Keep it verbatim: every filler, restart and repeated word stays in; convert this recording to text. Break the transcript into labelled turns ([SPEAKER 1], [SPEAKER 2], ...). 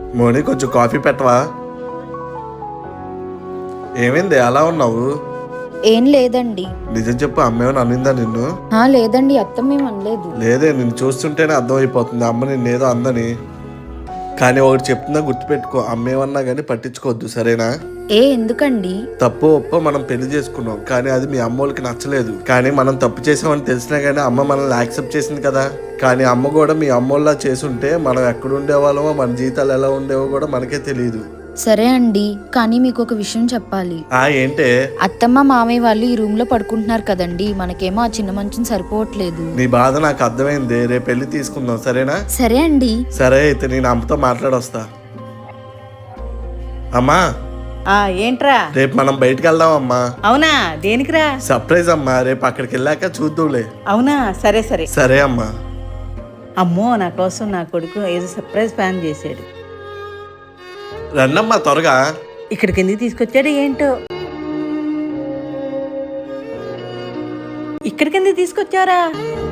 [SPEAKER 1] మోని కొంచెం కాఫీ పెట్టవా? ఏమైంది అలా ఉన్నావు?
[SPEAKER 2] ఏం లేదండి.
[SPEAKER 1] నిజం చెప్పు, అమ్మేమని అనిందా నిన్ను?
[SPEAKER 2] ఆ లేదండి, అత్తమ్మ ఏం అనలేదు.
[SPEAKER 1] లేదే, నిన్ను చూస్తుంటేనే అర్థమైపోతుంది అమ్మ నిన్నేదో అందని. కానీ ఒకటి చెప్తున్నా గుర్తుపెట్టుకో, అమ్మేమన్నా కానీ పట్టించుకోవద్దు, సరేనా?
[SPEAKER 2] ఏ ఎందుకండి?
[SPEAKER 1] తప్పు ఒప్పో మనం పెళ్లి చేసుకున్నాం, కానీ అది మీ అమ్మోళ్ళకి నచ్చలేదు. కానీ మనం తప్పు చేసామని తెలిసినా కానీ అమ్మ మనల్ని యాక్సెప్ట్ చేసింది కదా. కానీ అమ్మ కూడా మీ అమ్మోళ్ళ చేసుంటే మనం ఎక్కడ ఉండేవాళ్ళమో, మన జీవితాలు ఎలా ఉండేవో కూడా మనకే తెలియదు.
[SPEAKER 2] సరే అండి, కానీ మీకు ఒక విషయం చెప్పాలి.
[SPEAKER 1] ఆ ఏంటే?
[SPEAKER 2] అత్తమ్మ మామయ్య వాళ్ళు ఈ రూమ్ లో పడుకుంటున్నారు కదండి, మనకేమో ఆ చిన్న మంచం సరిపోవట్లేదు.
[SPEAKER 1] నీ బాధ నాకు అర్థమైంది, రేపు పెళ్లి తీసుకుందాం, సరేనా?
[SPEAKER 2] సరే అండి.
[SPEAKER 1] సరే అయితే నేను అమ్మతో మాట్లాడొస్తా. అమ్మా,
[SPEAKER 3] ఆ ఏంట్రా?
[SPEAKER 1] రేపు మనం బయటికి వెళ్దాం అమ్మా.
[SPEAKER 3] అవునా? దేనికిరా?
[SPEAKER 1] సర్ప్రైజ్ అమ్మా, రేపు అక్కడికి వెళ్ళాక చూద్దాంలే.
[SPEAKER 3] అవునా? సరే సరే.
[SPEAKER 1] సరే అమ్మా.
[SPEAKER 3] అమ్మో, నా కోసం నా కొడుకు ఏదో సర్ప్రైజ్ ప్లాన్ చేశాడు.
[SPEAKER 1] రండమ్మా త్వరగా.
[SPEAKER 3] ఇక్కడికి ఎందుకు తీసుకొచ్చాడు ఏంటో? ఇక్కడికి ఎందుకు తీసుకొచ్చారా?